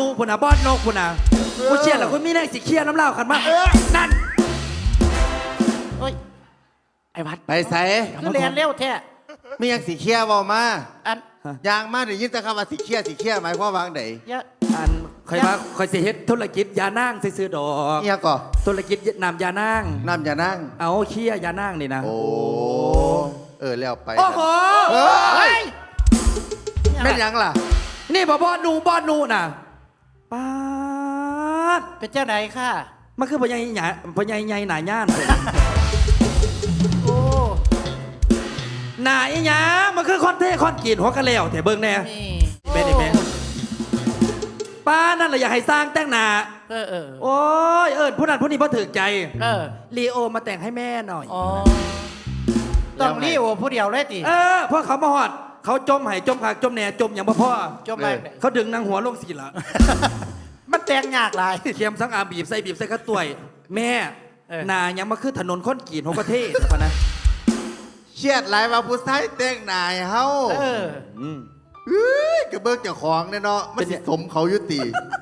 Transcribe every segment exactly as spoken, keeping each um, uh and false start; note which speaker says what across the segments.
Speaker 1: นูพุ่นน่ะบอสนกพุ่นน่ะกูเชียร์แล้วกูมีแรงสิเคลียร์น้ำเหล้าขันมานั่น
Speaker 2: เฮ้ย
Speaker 3: ไอ้วัด
Speaker 4: ไปใส่
Speaker 2: คือเรียนเร็วแท้
Speaker 4: มียังสีเขียวบอกมา
Speaker 2: อัน
Speaker 4: ยางมาเดี๋ยวยินแต่คำว่าสีเขียวสีเขียวหมายความว่าไง
Speaker 2: เยอะ
Speaker 1: อันคอยมาคอยสิเฮ็ดธุรกิจยานั่งซื้อดอก
Speaker 4: เนี่ยก่อ
Speaker 1: ธุรกิจนำยานั่ง
Speaker 4: น้ำอย่านั่ง
Speaker 1: เอาเคี่ยยานั่งนี่นะ
Speaker 4: โอ้เออแล้วไป
Speaker 1: โอ้โห
Speaker 4: เฮ้ยแม่นยังล่ะ
Speaker 1: นี่บ่บอสนูบอสนูน่ะป๊าด
Speaker 2: เป็นเจ้าไหนค่ะ
Speaker 1: มันคือพญายหยาพญายใหญ่หนาย่าน
Speaker 2: โอ้
Speaker 1: หนาอีหยามันคือคอนเทคอนกรีดหัวกะแล้วแต่เบิ่งแน่
Speaker 2: นี่
Speaker 1: เป็นอีกแม่ป้านั่นแหละอยากให้สร้างแต่งหน้า
Speaker 2: เออเออ
Speaker 1: โอ้ยเอิญผู้นั้นผู้นี้พอถึกใจ
Speaker 2: เออ
Speaker 1: ลีโอมาแต่งให้แม่หน่อย
Speaker 2: อ๋อต้องรีโอผู้เดียวเลยติ
Speaker 1: เออเพราะเขามาหอด เขาจมไห้จมขากจมแหน่จมอย่างบ่พ่อ
Speaker 2: จบไป
Speaker 1: เขาดึงนางหัวลงสีละ
Speaker 2: มันแต่งยากหลาย
Speaker 1: เข็มสังอาบีบใส่บีบใส่กระต่วย แม่
Speaker 2: เออ
Speaker 1: หนายังมาคือถนนค้อนกรีดหัวประเทศปะนะ
Speaker 4: เชียดหลายว่าผู้ชายแต่งหน้าให้เฮา
Speaker 2: เออ
Speaker 1: อืม
Speaker 4: เฮ้ยกระเบิกเจ้าของเนี่ยเนาะมันสิสมเขายุติ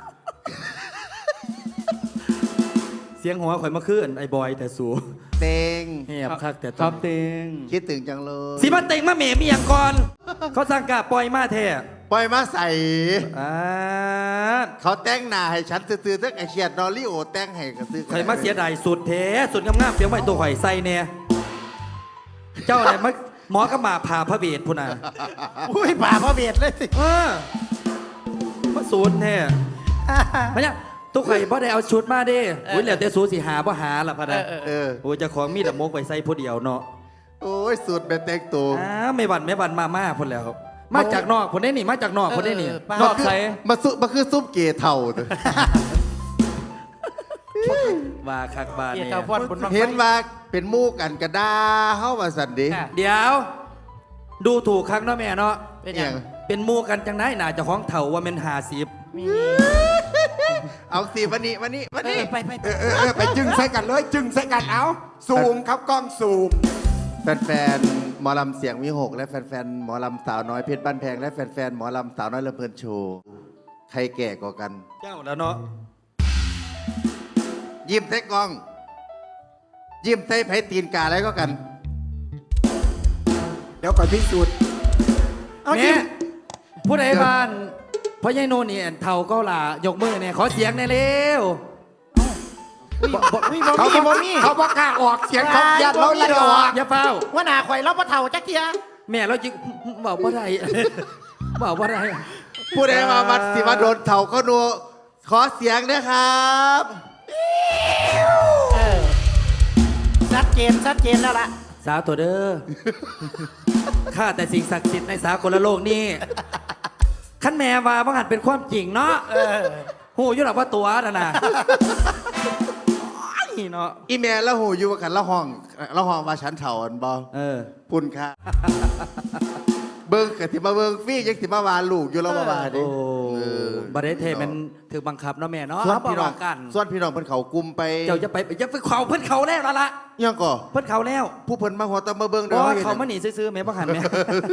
Speaker 1: เสียงหัวข่อยมาขึ้นไอ้บอยแต่สู
Speaker 4: เต็ง
Speaker 1: เงียบคักแต่
Speaker 3: ค
Speaker 1: ต้
Speaker 3: รั
Speaker 1: น
Speaker 3: บเต็ง
Speaker 4: คิดถึงจังเลย
Speaker 1: สีมาเต็งมาเหม่มีอย่างก่อน เขาสั่งกาปล่อยมาแท้
Speaker 4: ปล่อยมาใส่
Speaker 1: อ่า
Speaker 4: เขาแต่งหน้าให้ฉันซื้อๆทั้งไอเชียดนอริโอแต่งให้ก็ซื้อ
Speaker 1: ข่อยมาเสียดายสุดแท้สุดงามๆเปียงไว้ตัวข่อยใส่เนี่ยเจ้าเนี่ยมาหมอกระหมาผ่าพระเวทพุ่นน่ะ
Speaker 2: อุ้ยป่าพระเบียดเลยสิ
Speaker 1: เออมาสูตรแท้มาเนี่ยตัวข่อยบ่ได้เอาชุดมาเด้อุ้ยแล้วแต่สูสิหาบ่หาล่ะพะนะ
Speaker 2: เออ
Speaker 4: เออ
Speaker 1: โอ้ยเจะของมีแต่มกไว้ใส่ผู้เดียวเนาะ
Speaker 4: โอ้ยสูตรเป็นแต่งตัว
Speaker 1: อ้าไม่หวั่นไม่หวั่นมาม่าพุ่นแล้ว มาจากนอกพุ่นได้นี่มาจากนอกพุ่นได้นี่
Speaker 2: เออป้า
Speaker 1: นอกใส่
Speaker 4: มาซุมาคือซุปเกเท่าเด้อ
Speaker 1: ว่าคักบาน
Speaker 2: เกียร
Speaker 1: เนี่
Speaker 2: ติ
Speaker 1: ย
Speaker 2: พรบนบังไฟ
Speaker 4: เห็นว่าเป็นหมู่กันกระดาเฮาว่าสันเดิ
Speaker 2: ค่ะ
Speaker 1: เดี๋ยว ดูถูกครั้งเนาะแม่เนาะ
Speaker 2: เป็นยัง
Speaker 1: เป็นหมู่กันจังไหนหน่าเจะของเถ่าว่าเป็นหาสิบ
Speaker 2: มี
Speaker 4: เอาสิวันนี้วันนี้วัน
Speaker 2: เอ
Speaker 4: นี้
Speaker 2: อไปไป
Speaker 3: เออเออเออไปจึงใส่กันเลยจึงใส่กันเอาซูมครับกล้องซูม
Speaker 4: แฟนๆหมอลำเสียงวิหกและแฟนๆหมอลำสาวน้อยเพชรบ้านแพงและแฟนๆหมอลำสาวน้อยลำเพลินโชว์ใครแก่กว่ากัน
Speaker 1: เจ้าแล้วเนาะ
Speaker 4: ยิ้มใส่กล้อง ยิ้มใส่ไผตีนกาอะไรก็กัน
Speaker 3: เดี๋ยวก่อนพิสูจน์
Speaker 2: เอา
Speaker 1: แม่
Speaker 2: จิ้ม
Speaker 1: ผู้ใดบ้านพ่อใหญ่โนนนี่เถ่าเก็หลายกมือเนี่ยขอเสียงหน่อยเร็ว
Speaker 2: มีบ่
Speaker 3: เขา
Speaker 2: มี
Speaker 3: บ
Speaker 2: บ่
Speaker 3: อก
Speaker 2: มี
Speaker 3: เขาบอกกล้าออกเสียงเขายัดเราไล่ออก
Speaker 1: อย่าเฝ้า
Speaker 2: ว่าหนาข่อยเราบ่เท่าจักเทีย
Speaker 1: แม่เราจิบอกว่าไรบอกว่าไร
Speaker 4: ผู้ใดมาวัดสิมาโดนเถ่าก็นัวขอเสียงนะครับ
Speaker 2: เออชัดเจนชัดเจนแล้วล่ะ
Speaker 1: สาวตัวเด้อข้าแต่สิ่งศักดิ์สิทธิ์ในสากลโลกนี่ขั้นแม่ว่าบังหันเป็นความจริงเนาะ
Speaker 2: เออ
Speaker 1: หูอยุ่หลับว่าตัวน่ะนะนี่เนาะ
Speaker 4: อีเมลแล้วหูอยู่ว่ากันละห้องละห้องว่าฉันเถ่าอันบอ
Speaker 1: เออ
Speaker 4: พุ่นค่ะ เบิ้งกะสิมาเบิ้งฟรี่ยังสิมาวาลูกอยู่แล้วมาวาดิ
Speaker 1: โอ้
Speaker 4: เออบ
Speaker 1: าร์เดเทมันถือบังคับเนาะแม่เนาะ
Speaker 4: ส่วนพี่น้อง
Speaker 1: บอกกัน
Speaker 4: ส่วนพี่น้องเพิ่นเขากลุ่มไป
Speaker 1: เจ้าจะไปจะไปเขาเพิ่นเขาแล้วละละ
Speaker 4: ยังก่อ
Speaker 1: เพิ่นเขาแล้ว
Speaker 4: ผู้เพิ่นมาหัวตะมาเบิ้ง
Speaker 1: เพ
Speaker 4: เด้
Speaker 1: ราะ
Speaker 4: อ
Speaker 1: ว่า
Speaker 4: เห็น
Speaker 1: เขามาหนีซื้อๆแม่บังหันแม่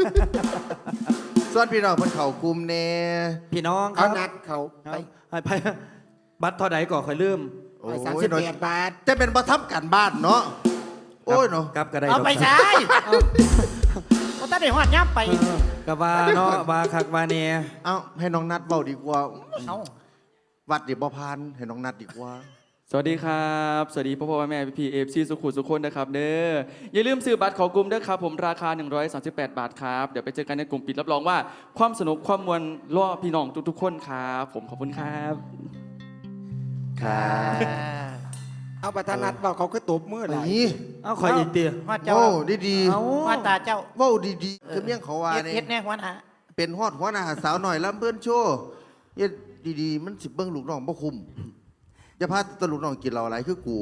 Speaker 4: ส่วนพี่น้องเพิ่นเขากลุ่มแน่
Speaker 1: พี่น้องค
Speaker 3: เอา
Speaker 1: รับ
Speaker 3: นัดเขาไป
Speaker 1: ไปไปบัตรเท่าใดก่อนค่อยลืม
Speaker 4: โอ้
Speaker 3: ไป
Speaker 4: ย
Speaker 3: สามสิบ
Speaker 4: น้อย
Speaker 3: แปดบาท
Speaker 4: จะเป็นบ่ทำกันบ้านเนาะโอ้ยเนาะ
Speaker 1: ครับก็ได้
Speaker 2: เอาไป
Speaker 1: ดก
Speaker 2: ใช้เอาตั้งแต่หัวย่ำไป
Speaker 1: เออก็ว่าเนาะว่าคักว่าเนี่ย
Speaker 4: เอ้าให้น้องนัดเว้าดีกว่า
Speaker 2: เอา
Speaker 4: วัดดิบ่พานให้น้องนัดดีกว่า
Speaker 5: สวัสดีครับ สวัสดีพ่อพ่อแม่พี่พีเอฟซีสุขุมสุขคนนะครับเด้ออย่าลืมซื้อบัตรของกลุ่มเด้อครับผมราคา หนึ่งร้อยสามสิบแปด บาทครับ เดี๋ยวไปเจอกันในกลุ่มปิดรับรองว่าความสนุกความมวลล่อพี่น้องทุกๆคนครับผมขอบคุณครับ
Speaker 4: ครับ
Speaker 3: เอาประธานนัดบอกเขาคือตบมือไหล
Speaker 4: นี่
Speaker 1: เอาขอยอีกเตีย
Speaker 2: หัวเจ้า
Speaker 4: โอ้ดี
Speaker 1: เอา
Speaker 2: หัวตาเจ้า
Speaker 4: ๆเว้าดีๆคือเมี่ยงเขาว่า
Speaker 2: เฮ็ด
Speaker 4: นี่
Speaker 2: เฮ็ดแน่หัวหน้า
Speaker 4: เป็นฮอดหัวหน้าสาวหน่อยลำเพิ่นโชว์เฮ็ดดีๆมันสิเบิ่งลูกน้องบ่คุ้มอย่าพาแตลูกน้องกินเหล้าหลายคือกู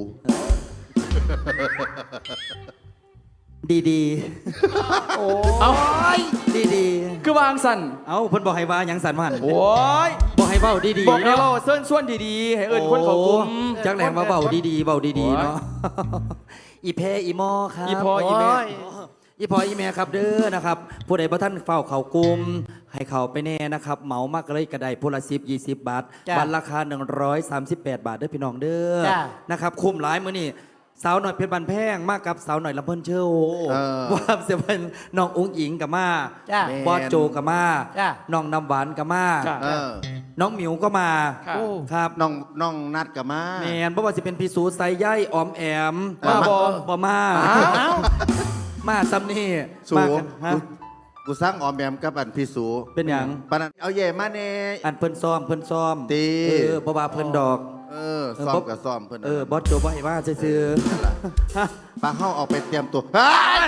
Speaker 1: ดีดี
Speaker 2: โอ้
Speaker 5: เอา
Speaker 2: ย
Speaker 1: ดีดี
Speaker 5: คือวางสัน
Speaker 1: ๆเอาเพิ่นบอกให้ว่าหยังสันว่าหั่น
Speaker 5: โอ้ย
Speaker 1: บอกให้เว้าดีดี
Speaker 5: บอกให้เราเส้นส่วนดีๆ ให้เอิญคนเขากลุ่ม
Speaker 1: จักแหลมว่าเว้าดีดีๆเว้าดีๆเนาะอีเพอีหมอครับ
Speaker 5: อีพออีแม่
Speaker 2: โย
Speaker 1: อีพออีแม่ครับเด้อนะครับผู้ใดบ่ท่านเฝ้าเขากลุ่มให้เขาไปแน่นะครับเหมามากเลยกระไดพละสิบยี่สิบบาท
Speaker 2: จ้ะ
Speaker 1: บัตรราคา หนึ่งร้อยสามสิบแปด บาทเด้อพี่น้องเด้อ
Speaker 2: จ้ะ
Speaker 1: นะครับคุ้มหลายมื้อนี้สาวหน่อยเพชรบันแพงมากกับสาวหน่อยลำเพิ่นเชล
Speaker 4: เออ
Speaker 1: ว่าเสียเป็นน้องอุ้งอิงกับมา
Speaker 2: จ้ะ
Speaker 1: บอสโจกับมา
Speaker 2: จ้ะ
Speaker 1: น้องน้ำหวานกับมา
Speaker 5: จ้ะ
Speaker 4: เออ
Speaker 1: น้องหมิวก็มา
Speaker 5: ค่ะ
Speaker 2: โอ้
Speaker 1: ครับ
Speaker 4: น้องน้องนัดกับมา
Speaker 1: แมนเพราะว่าสิเป็นพี่สูไซย่ายออมแอม
Speaker 4: เออ
Speaker 1: มาบอบอมา
Speaker 2: อ้าวอ้าว
Speaker 1: มาซ้ำนี่
Speaker 4: สู
Speaker 1: มากันฮะ
Speaker 4: กูกูสร้างออมแอมกับอันพี่สู
Speaker 1: เป็นหยัง
Speaker 4: ปานนั้นเอาแย่มาแน่
Speaker 1: อันเพิ่นซ้อมเพิ่นซ้อม
Speaker 4: ตี
Speaker 1: เออบ่ว่าเพิ่นดอก
Speaker 4: เออซ้อมกับซ้อมเพิ่น
Speaker 1: เออบอสโจบ่ให้ว่าซื่อๆฮะ
Speaker 4: ปลาเข้าออกไปเตรียมตัวเฮ้ย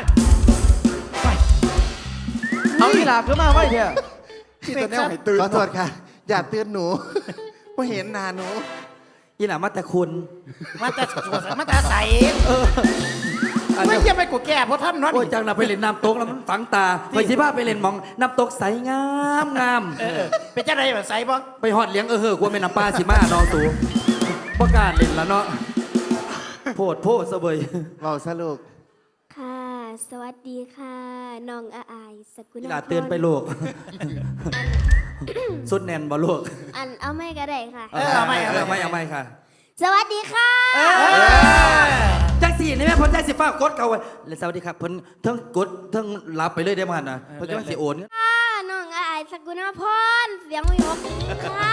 Speaker 5: เอาอีหลาขึ้นมาไว้เถอะ
Speaker 3: ที่ตอนนี้ให้ตื่น
Speaker 4: ขอโทษค่ะ อย่าเตือนหนู เพราะเห็นหน้าหนู
Speaker 1: อีหล่ามาแต่คุณ
Speaker 2: มาแต่สวนมาแต่ใส
Speaker 1: อัน
Speaker 2: ไม่
Speaker 1: นี้
Speaker 2: เยี่ยมไปกูแก่เพราะท่านนั่น
Speaker 1: โอ้ยจังน่ะไปเล่นน้ำตกแล้วมันฝังตาไปสิพาไปเล่นหมองน้ำตกใสงามงาม
Speaker 2: เออเป็นเจ้าใดแบบใสบ่
Speaker 1: ไปฮอดเลี้ยงเออเฮ้อกลัวแม่น้ำปลาสิมาน้องสูบ่กล้าเล่นแล้วเนาะโพดโพดซะเบย
Speaker 4: เบาซะลูก
Speaker 6: ค่ะ สวัสดีค่ะ น้องอาอายสกุล
Speaker 1: อีหล่าเตือนไปลูกสุดแน่นบ่ลูก
Speaker 6: อันเอาไม่ก็ได้ค่ะ
Speaker 2: เออเอาไม่เอา
Speaker 1: เอา
Speaker 2: ไม่
Speaker 1: ไม่เอาไม่ค่ะ
Speaker 6: สวัสดีค่ะ
Speaker 1: จังสี่นี่แม่เพ้นจังสิฟ้ากดเขาไว้แล้วสวัสดีครับเพิ่นเทั้งกดเทั้งรับไปเลยได้มั้ยนะเพิ่นจังสิโอนเงิน
Speaker 6: ค่ะ น้องอาอายสกุลพรเสียงวิหกค่ะ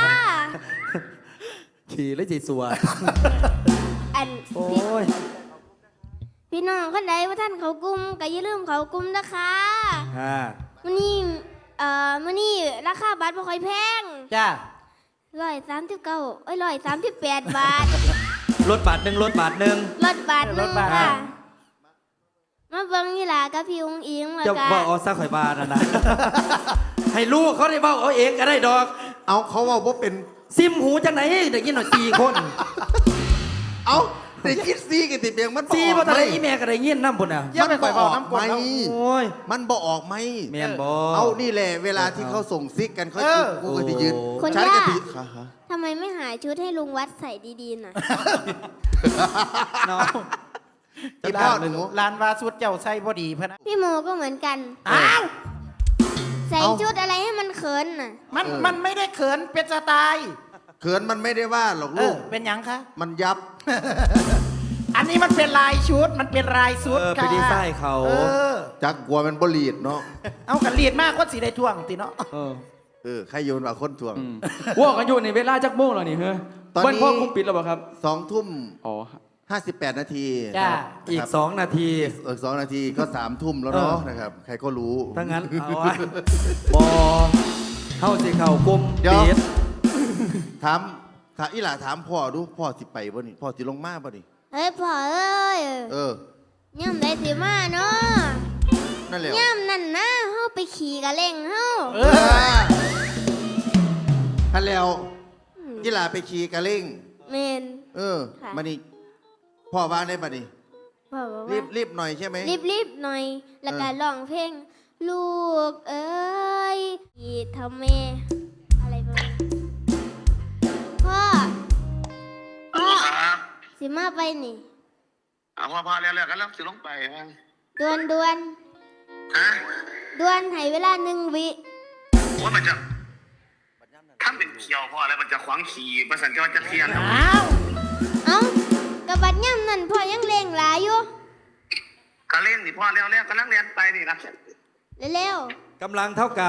Speaker 1: ขี่เลยสิสัว
Speaker 6: อัน
Speaker 1: โอ้ย
Speaker 6: พี่น้องคนใดว่าท่านเขากลุ่มก็อย่าลืมเขากลุ่มนะคะ
Speaker 1: ค่ะ
Speaker 6: มื้อนี้เอ่อมื้อนี้ราคาบัตรบ่ค่อยแพง
Speaker 2: จ้า
Speaker 6: ร้อยสามสิบเก้าเอ้ยร้อยสามสิบแปดบาท
Speaker 1: รถบาทหนึ่งรถบาทหนึ่ง
Speaker 6: ลดบาทหนึงค่ะ มาเบิ่งนี่ล่ะกับพี่อุ้งอิงแล้ว
Speaker 1: จะ
Speaker 6: ก็
Speaker 1: บอกเอาซะข่อยบาทนะนะ ให้ลูกเขาได้บอกเอาเองก็ได้ดอก
Speaker 4: เอาเขาว่าว่าเป็น
Speaker 1: ซิมหูจังไหนเด็กยินหน่อยสี่คน
Speaker 4: เอาแต่คิดซีกันติเบียงมัน
Speaker 1: สี่
Speaker 4: บ่
Speaker 1: บ่
Speaker 4: ออก
Speaker 1: ทัน
Speaker 4: ไหม
Speaker 1: ได้อีแม่ก็ได้ยินน้ำพุ่นอ่ะ
Speaker 2: เยี่ยมไป
Speaker 4: มัน
Speaker 2: ข่อยบอกน้ำก
Speaker 4: ไห
Speaker 2: ด
Speaker 4: ม
Speaker 2: เอา
Speaker 1: โอ้ย
Speaker 4: มันบ่ออกไหม
Speaker 1: แม่นบ่
Speaker 4: เอานี่แหละเวลาที่เขาส่งซิกกันเขา
Speaker 2: เออ
Speaker 4: กูก็จะยืน
Speaker 6: คน
Speaker 4: ฉัน
Speaker 6: ยา
Speaker 4: ก็
Speaker 6: ก
Speaker 4: ถือค่ะฮะ
Speaker 6: ทำไมไม่หาชุดให้ลุงวัดใส่ดีๆหน่อย
Speaker 1: น้อง
Speaker 4: อีพ่อหนู
Speaker 2: ลานวาสุดเจ้าใส่บ่ดีพะนะ
Speaker 6: พี่โมก็เหมือนกัน
Speaker 2: อ้าว
Speaker 6: ใส่ชุดอะไรให้มันเขินน่ะ
Speaker 2: มันมันไม่ได้เขินเป็นสไตล์
Speaker 4: เขินมันไม่ได้ว่าหรอก
Speaker 2: เอ
Speaker 4: ลู
Speaker 2: อก เป็นหยังคะ
Speaker 4: มันยับ
Speaker 2: อันนี้มันเป็นลายชุดมันเป็นลายชุด
Speaker 1: เออไป
Speaker 2: ค่ะ
Speaker 1: ดีไซน์เขา
Speaker 2: เออ
Speaker 4: จักกลัวมันบลีดเนาะ
Speaker 2: เอากันเลียดมากก็สีได้ท่วงติเนาะ
Speaker 1: เออ
Speaker 4: เออใครโยนว่าคนทวง
Speaker 5: อืมว่ากันอยู่ในเวลาจักโมงแล้วนี่เฮ้ย
Speaker 4: ตอนนี้
Speaker 5: วันพ่อคุมปิดแล้วเปล่าครับ
Speaker 4: สองทุ่ม
Speaker 5: อ๋อ
Speaker 4: ห้าสิบแปดนาที
Speaker 2: จ้า
Speaker 1: อีก
Speaker 4: ครับ
Speaker 1: สองนาที
Speaker 4: เออสองนาทีก็สามทุ่มแล้วเนาะ
Speaker 1: เออ
Speaker 4: นะครับ ใครก็รู้
Speaker 1: ถ้างั้นเอาไว้บอเฮาสิเข้ากลุ่ม
Speaker 4: เดี๋ยว
Speaker 1: ปิด
Speaker 4: ถามถามอีหล่าถามพ่อดูพ่อสิไปบ่นี่พ่อสิลงมาบ่นี่
Speaker 6: เฮ้ยพ่อเอ้ย
Speaker 4: เออ
Speaker 6: ย่ำได้สิมาเนาะ
Speaker 4: นั่นแหละ
Speaker 6: ย่ำนั่นนะเฮาไปขี่กะเล่งเฮา
Speaker 2: เอ
Speaker 4: เอ
Speaker 2: อ
Speaker 4: อท่านแล้วอีหล่าไปขี่กระเล่ง
Speaker 6: เมน
Speaker 4: เออ
Speaker 6: ค่ะ
Speaker 4: มานี่พ่อว่าได้ป่ะนี่
Speaker 6: พ่อบอก
Speaker 4: รี
Speaker 6: ว่า
Speaker 4: บรีบหน่อยใช่ไหม
Speaker 6: รีบรีบๆหน่อย แล้วก็
Speaker 4: เออ
Speaker 6: ร้องเพลง ลูกเอ้ยอีทำเมอะไรประมาณนี้พ่อ พ่อ
Speaker 7: ครับ
Speaker 6: สิมาไปนี่
Speaker 7: เอาพอพอแล้วแล้วกันแล้วสิลงไปฮะ
Speaker 6: ดวนดวน
Speaker 7: ฮะ
Speaker 6: ดวนให้เวลาหนึ่งวิ
Speaker 7: ว่ามันจะถ้าเป็นเขียวพอแล้วมันจะขวางขี่ประสันจะว่าจะเทียน
Speaker 2: อ้าว
Speaker 6: เอ้ากระบัดย่ำนั่นพ่อยังเล่งหลายอยู่
Speaker 7: ก็เล่นนี่พอแล้วแล้วก็นั่งเรียนไปนี่นะ
Speaker 6: เร็ว
Speaker 1: กำลังเท่ากับ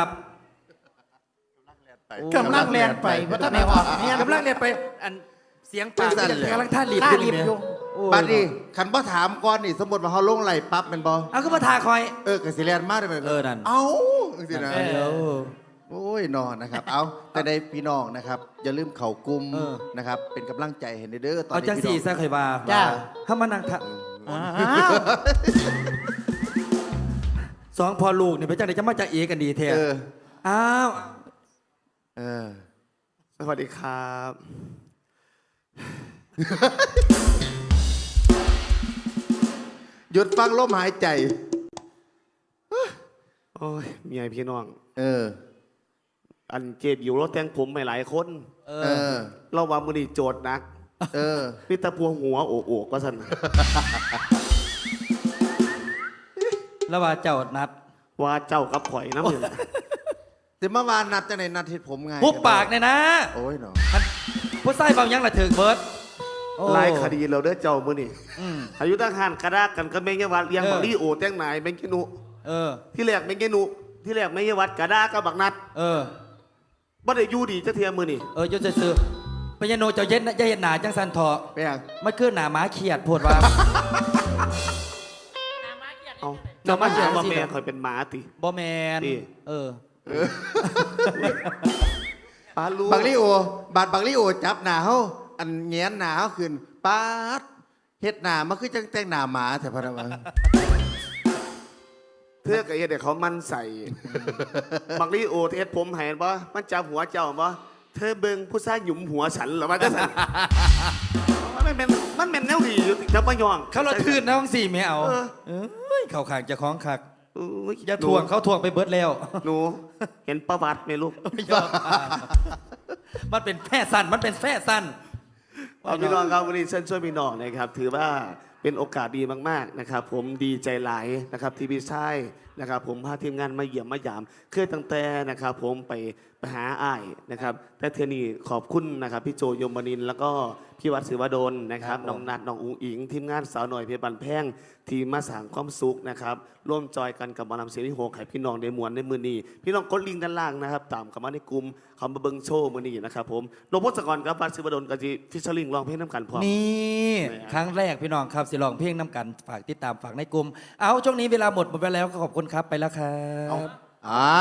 Speaker 2: กำลังแลนไปเพราะท่านไม่ออกเนี่ย
Speaker 1: กำลังเนี่ยไปอันเสียงปาก
Speaker 4: สั้นเลย
Speaker 1: กำลังท่ารีบ
Speaker 2: ท่า
Speaker 1: ขึ้น
Speaker 2: รีบ
Speaker 1: เนี่ย
Speaker 2: อยู่
Speaker 1: โอ้
Speaker 4: ปัดนี่ขันพ่อถามก่อนนี่ สมมติว่าเขาลงไหลปั๊บเป็นบอ
Speaker 1: เอาก็มาทาคอย
Speaker 4: เออกสิเรียนมากเลย
Speaker 1: เออนั่น
Speaker 4: เอาสินะ
Speaker 1: เดี๋ยว
Speaker 4: โอ้ยนอนนะครับ เอาแต่ในพี่น้องนะครับ อย่าลืมเข่ากลุ่ม
Speaker 1: เออ
Speaker 4: นะครับ เป็นกำลังใจเห็นเด้อตอน
Speaker 1: เอา
Speaker 4: นี้
Speaker 1: จัง
Speaker 4: พี่
Speaker 1: สี่
Speaker 4: น้อง
Speaker 1: ซะเคยบา
Speaker 2: จ้า
Speaker 1: ถ้ามานั่งทะ
Speaker 2: อ้าว
Speaker 1: สองพอลูกเนี่ยไปจังไหนจะมาจากเอกันดีแท้
Speaker 4: เออ
Speaker 1: อ้าว
Speaker 4: เออ
Speaker 8: สวัสดีครับ
Speaker 4: หยุดฟังลมหายใจ
Speaker 8: โอ้ยเมียพี่น้อง
Speaker 4: เออ
Speaker 8: อันเจ็บอยู่เราแต่งผมไปหลายคน
Speaker 1: เอ
Speaker 4: เอ
Speaker 1: อ
Speaker 4: อ
Speaker 8: เราว่ามือนี่โจทย์หนัก
Speaker 4: เออ
Speaker 8: นี่ตะพวงหัวโอกโอกก็สัน
Speaker 1: แล้วว่าเจ้านัด
Speaker 8: ว่าเจ้ากับข่อยน้ำอยู่
Speaker 4: แต่เมื่อวานนัดจะไหนนัดเห็ดผมไง
Speaker 1: หุบปากเนี่ยนะ
Speaker 4: โอ้ยเนาะ
Speaker 1: ผู้ใส่เบายังละถึงเบิร์ดโอ้
Speaker 8: หลายคดีเราเด้อเจ้ามื้อนี่
Speaker 1: อืม
Speaker 8: อายุตั้งหันกระดากกันก็แม่งยวัดเลี้ยง
Speaker 1: เออ
Speaker 8: บักลี่โอแตงนายแม่งกินุ
Speaker 1: เออ
Speaker 8: ที่แรกแม่งกินุที่แรกแม่งยวัดกระดากกับบักนัด
Speaker 1: เออ
Speaker 8: บ่ได้อยู่ดีจะเทียมมื้อนี่
Speaker 1: เออยุติซื้อพญาโนเจ้าเย็นนะอย่าเห็นหนาจังสันเถาะ
Speaker 4: ไปยัง
Speaker 1: มันคือหนาหมาเขียดโพดว่า
Speaker 8: เอาเจ้ามาเชื่อว่าแม่ข่อยเป็นหมาติ
Speaker 1: บอแมน
Speaker 8: นี่
Speaker 1: เออ
Speaker 8: ปาลู
Speaker 4: บักลี่โอบาดบักลี่โอจับหนาเขาอันแงนหนาเขาขึ้นป๊าดเฮ็ดหนามันคือจังแต่งหนาหมาแต่พะนะวะ
Speaker 8: เพื่อกับเฮ็ดให้เขามันใส่ บักลี่โอเฮ็ดผมให้บ่มันจับหัวเจ้าบ่เธอเบิ่งผู้ชายหยุมหัวฉันเหรอว่าจังซั่น มันเป็นมันเป็นแนวดีอยู่จับบ่ยอง
Speaker 1: เขาเราทื่นนะห้องสี่ไม่เอา
Speaker 8: เออ
Speaker 1: เอ้ยเขาขางจะคล้องขัก
Speaker 8: อุ๊ย
Speaker 1: อย่าทวงเขาทวงไปเบิดแล้ว
Speaker 8: หนู เห็นประวัติไหมลูก
Speaker 1: ยอมอ่านมันเป็นแพร่สั้นมันเป็นแพร่สั้น
Speaker 8: เอาพี่น้องครับวันนี้เชิญช่วยพี่น้องนะครับ ถือว่าเป็นโอกาสดีมากๆนะครับ ผมดีใจหลายนะครับที่พี่ชายนะครับ ผมพาทีมงานมาเยี่ยมมายามเคยตั้งแต่นะครับ ผมไปไปหาอ้ายนะครับ แต่เทอนี่ขอบคุณนะครับ พี่โจยมนินทร์แล้วก็พี่วัดศิวดลนะครับน้องนัดน้องอุ๋งอิงทีมงานสาวหน่อยเพชรบันแพงทีมมาสร้างความสุขนะครับร่วมจอยกันกับหมอลำเสียงที่โหกให้พี่น้องได้มวนในมือนี้พี่น้องกดลิงก์ด้านล่างนะครับตามเข้ามาในกลุ่มเขามาเบิ้งโชว์มือนี้นะครับผมหลวงพ่อสกรกับวัดศิวดลกับจีฟิชเชอร์ลิงร้องเพลงน้ำกันพร้อม
Speaker 1: นี่
Speaker 8: แหม
Speaker 1: ครั้งแรกพี่น้องครับสิลองเพลงน้ำกันฝากติดตามฝากในกลุ่มเอาช่วงนี้เวลาหมดหมดไปแล้วก็ขอบคุณครับไปแล้วครับ
Speaker 4: อ้าว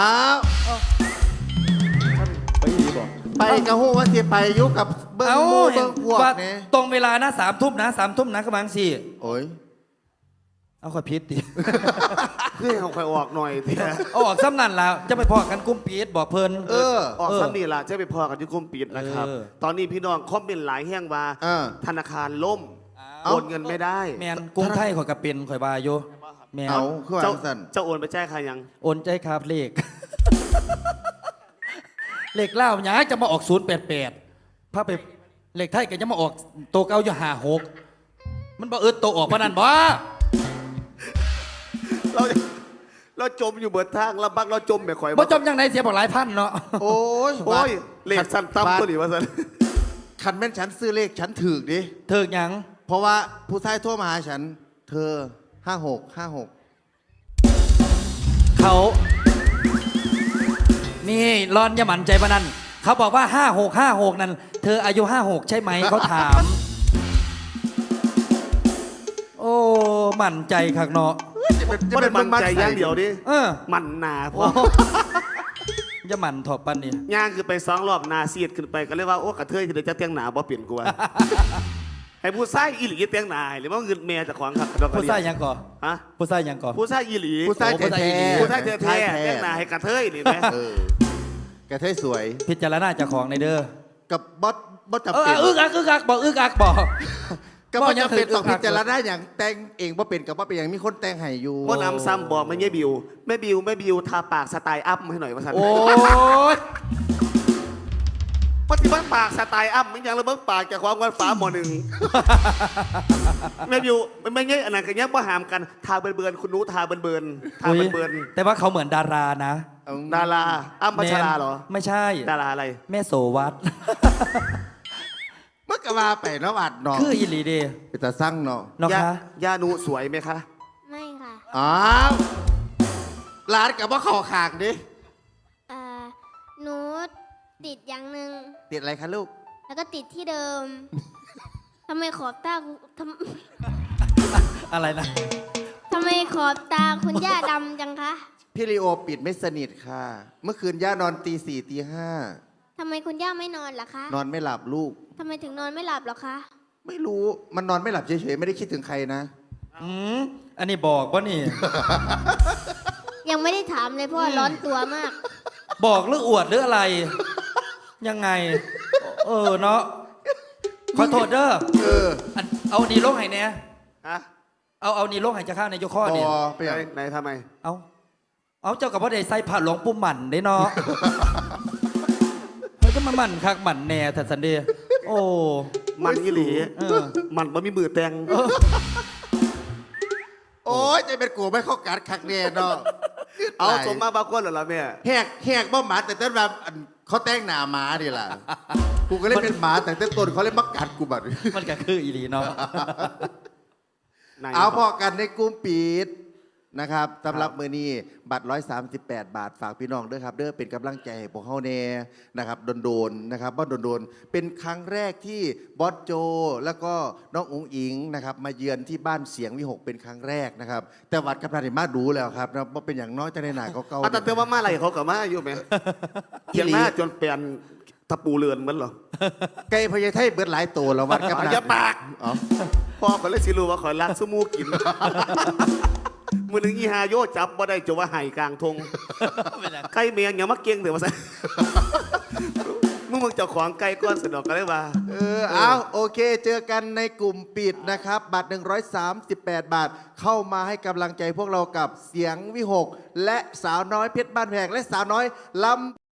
Speaker 5: ไปดีบอก
Speaker 4: ไปกระหู้ว่าสิไปอยุกับเบิ้ง
Speaker 1: เอา
Speaker 4: หมู่
Speaker 1: เห็
Speaker 4: เบิ้
Speaker 1: น
Speaker 4: งพวก
Speaker 1: ว่า
Speaker 4: เนี่ย
Speaker 1: ตรงเวลานะสามทุ่มนะสามทุ่มนะกำลังสี่
Speaker 4: โอ้ย
Speaker 1: เอาขอพิษดิ
Speaker 8: เพื่อให้เขาคอยออกหน่อยเถอะ
Speaker 1: เอาออกซ้ำนั่นแล้วจะไปพอกันกุ้มปีดบอกเพลิน
Speaker 4: เออ
Speaker 8: ออก
Speaker 1: เออ
Speaker 8: ซ้ำนี่ล่ะจะไปพอกันที่กลุ่มปิดนะครับ
Speaker 1: เออ
Speaker 8: ตอนนี้พี่น้องคอมเมนต์หลายแห้งว่า
Speaker 4: เออ
Speaker 8: ธนาคารล่ม
Speaker 1: เอา
Speaker 8: โอนเงินไม่ได้
Speaker 1: แมนกรุงไทยข่อยกับเป็นข่อยบาโยแมน
Speaker 4: เอาคือว่า
Speaker 8: เจ้า
Speaker 4: สัน
Speaker 8: เจ้าโอนไปแจ้งใครยัง
Speaker 1: โอนใจครับเลข เลขเล่าหยาจะมาออกศูนย์แปดแปดพาไปเลขไทยก็จะมาออกโตวเก้าอยู่ห้าหกมันบ่เอิดโตวออกพนันบ่
Speaker 8: เราเราจมอยู่เบิดทางลำบักเราจมแบบข่อย
Speaker 1: บ่จมยังไงเสียบอกหลายพันเนาะ
Speaker 4: โอ้ย
Speaker 8: โอ้ย
Speaker 4: บาท
Speaker 8: เลขสั้นต่ำตัวนี้ว่าสัน
Speaker 4: คันแม่นฉันซื้อเลขฉันถือดิ
Speaker 1: เถิกหยัง
Speaker 4: เพราะว่าผู้ชายโทั่วมาหาฉัน เธอห้าหกห้าหก
Speaker 1: เขา นี่ร้อนอยาหมันใจปะนันเขาบอกว่าห้าหกห้าหกนั่นเธออายุห้าหกใช่ไหมเขาถาม โอ้หมั่นใจคักเนาะ
Speaker 4: จะเป็นจะ
Speaker 8: ว่า
Speaker 4: เป็
Speaker 8: เป็น นมันใจอย่างเดียวดิ
Speaker 1: เออ
Speaker 8: มันหนาพ
Speaker 1: โอ้
Speaker 8: อ
Speaker 1: จะหมั่นถอบปันนี่
Speaker 8: ย่างคือไปสองรอบหนาเสียดขึ้นไปก็เรียกว่าโอ้กระเทยคือเดี๋ยวจะเตียงหนาบ่เปลี่ยนกูว่า ให้ผู้ชายอีหลีเตียงหนาหรือว่าเงินเมียจากของครับ
Speaker 1: ผู้ชายหยังก่อ
Speaker 8: ฮะ
Speaker 1: ผู้ชายหยังก่อ
Speaker 8: ผู้ชายอีหลี
Speaker 4: ผู้ชาย
Speaker 1: โอ้ผู้
Speaker 4: แท้
Speaker 1: ชายอีหลี
Speaker 8: ผู้ชายแท้ๆเตียงหนาให้กระเทยนี่ไหม
Speaker 4: เออกระเทยสวย
Speaker 1: พิจารณาเจากของในเด้อ
Speaker 4: กับบอสบอสจำ
Speaker 1: เออ
Speaker 4: เป็น
Speaker 1: อึกอักอึกอักบอกอึกอักบอก
Speaker 4: ก็บอสจำเป็น
Speaker 1: บ่ยัง
Speaker 4: ต้องพิจารณาอย่างแต่งเองว่าเป็นกับว่าเป็นอย่างมีคนแต่งให้อยู่
Speaker 8: พ่อนำซ้ำบอกไม่เงี้ยบิวแม่บิวแม่บิวทาปากสไตล์อัพให้หน่อยว่าสัน
Speaker 1: โอ้ย
Speaker 8: ปฏิบัติปากสไตล์อัพมันยังระเบิดปากจากความกันฟ้าหมอหนึ่ง แม่บิวไม่เงี้ยอันนั้นกันเงี้ยว่าหามกันทาเบิร์นๆคุณนู้ทาเบิร์นๆทา
Speaker 1: อุ๊ย
Speaker 8: เบิร์น
Speaker 1: แต่ว่าเขาเหมือนดารานะ
Speaker 4: เอา
Speaker 8: ๆดาราอ้ำพัชราเหรอ
Speaker 1: ไม่ใช่
Speaker 8: ดาราอะไร
Speaker 1: แม่โสวัต
Speaker 4: เมื่อกว่าไปเนาะอัดเนาะ
Speaker 1: คืออีหลีเด
Speaker 4: เป็นตาสั่งเนาะ
Speaker 1: เนาะ
Speaker 8: ย่า
Speaker 1: คะ
Speaker 8: ย่านูสวยไหมคะ
Speaker 6: ไม่ค่ะ
Speaker 4: อ้าวร้านกับว่าขอขางดิ
Speaker 6: เอ่อหนูติดอย่างหนึ่ง
Speaker 4: ติดอะไรคะลูก
Speaker 6: แล้วก็ติดที่เดิม ทำไมขอบตาทำ
Speaker 1: อะไรนะ
Speaker 6: ทำไมขอบตาคุณย่าดำจังคะ
Speaker 4: พี่ลีโอปิดไม่สนิทค่ะ เมื่อคืนย่านอนตีสี่ตีห้า
Speaker 6: ทำไมคุณย่าไม่นอนล่ะคะ
Speaker 4: นอนไม่หลับลูก
Speaker 6: ทำไมถึงนอนไม่หลับหรอคะ
Speaker 4: ไม่รู้มันนอนไม่หลับเฉยๆไม่ได้คิดถึงใครนะ
Speaker 1: อืมอันนี้บอกว่านี่
Speaker 6: ยังไม่ได้ถามเลยเพราะว่าร้อนตัวมาก
Speaker 1: บอกหรืออวดหรืออะไร ยังไง เออเนาะขอโทษเด้อ
Speaker 4: เออ
Speaker 1: อันเอานี่ลงให้เนี่ย
Speaker 8: ฮะ
Speaker 1: เอาเอานี่ลงให้จะข้าวในยกข้อ
Speaker 4: พ
Speaker 1: นี่
Speaker 4: อไปอย่าง
Speaker 8: ไหนทำไม
Speaker 1: เอาเอาเจ้ากับพ่อเดชใส่ผ้าหลวงปุ่มหมันได้เนาะ เฮ้ยก็มาหมันคักหมันแน่แต่สันเดย์โอ้
Speaker 8: มันอีหลี
Speaker 1: เออ
Speaker 8: มันบ่มีมือแตง
Speaker 1: เออ
Speaker 4: โอ้อ้ยจะเป็นกูไม่เข้ากัดคักแน่เนาะ
Speaker 8: เอาสมมาบางคนเหรอล่ะแม่
Speaker 4: แหกแหกบ่หมาแต่ต้นแบบอันเขาแต่งหน้าหมาดิล่ะ กูก็เลยเป็นหมาแต่ต้นต้นเขาเลยมากัดกูบัด
Speaker 1: มันก็คืออีหลีเนาะ
Speaker 4: เอาพอกันในกลุ่มปิดนะครับสำหรับมือนี้บัตรหนึ่งร้อยสามสิบแปดบาทฝากพี่น้องด้วยครับเด้อเป็นกำลังใจให้พวกเฮาแน่นะครับโดนๆนะครับบ่โดนๆเป็นครั้งแรกที่บอสโจ แล้วก็น้องอุ๋งอิงนะครับมาเยือนที่บ้านเสียงวิหกเป็นครั้งแรกนะครับแต่วัดกับนาริมาดูแล้วครับนะว่าเป็นอย่างน้อยจะในหนาเก่า
Speaker 8: เอาแต่เตือนว่ามาอะไรเขากับมาอยู่ไหมเขียนหน้าจนเปลี่ยนตะปูเรือนเหมือนเหรอ
Speaker 4: ไก่พญาไทเบิดหลายตัวแล้ววัดกับนา
Speaker 8: อย่าปาก
Speaker 4: อ๋อ
Speaker 8: พ่อเขาเลยสิรู้ว่าขอยรักสมูกิน มือหนึ่งอีฮาโยจับบ่ได้จะว่าไห่กลางทงไก่เมียงอย่ามาเก่งเถอะมาซะ มึงมึงเจ้าของไก่ก้อนสนอกกันเลยว่า
Speaker 4: เออเอาโอเค เจอกันในกลุ่มปิดนะครับ บัตร หนึ่งร้อยสามสิบแปด บาท เข้ามาให้กำลังใจพวกเรากับเสียงวิหก และสาวน้อยเพชรบ้านแพงและสาวน้อยลำ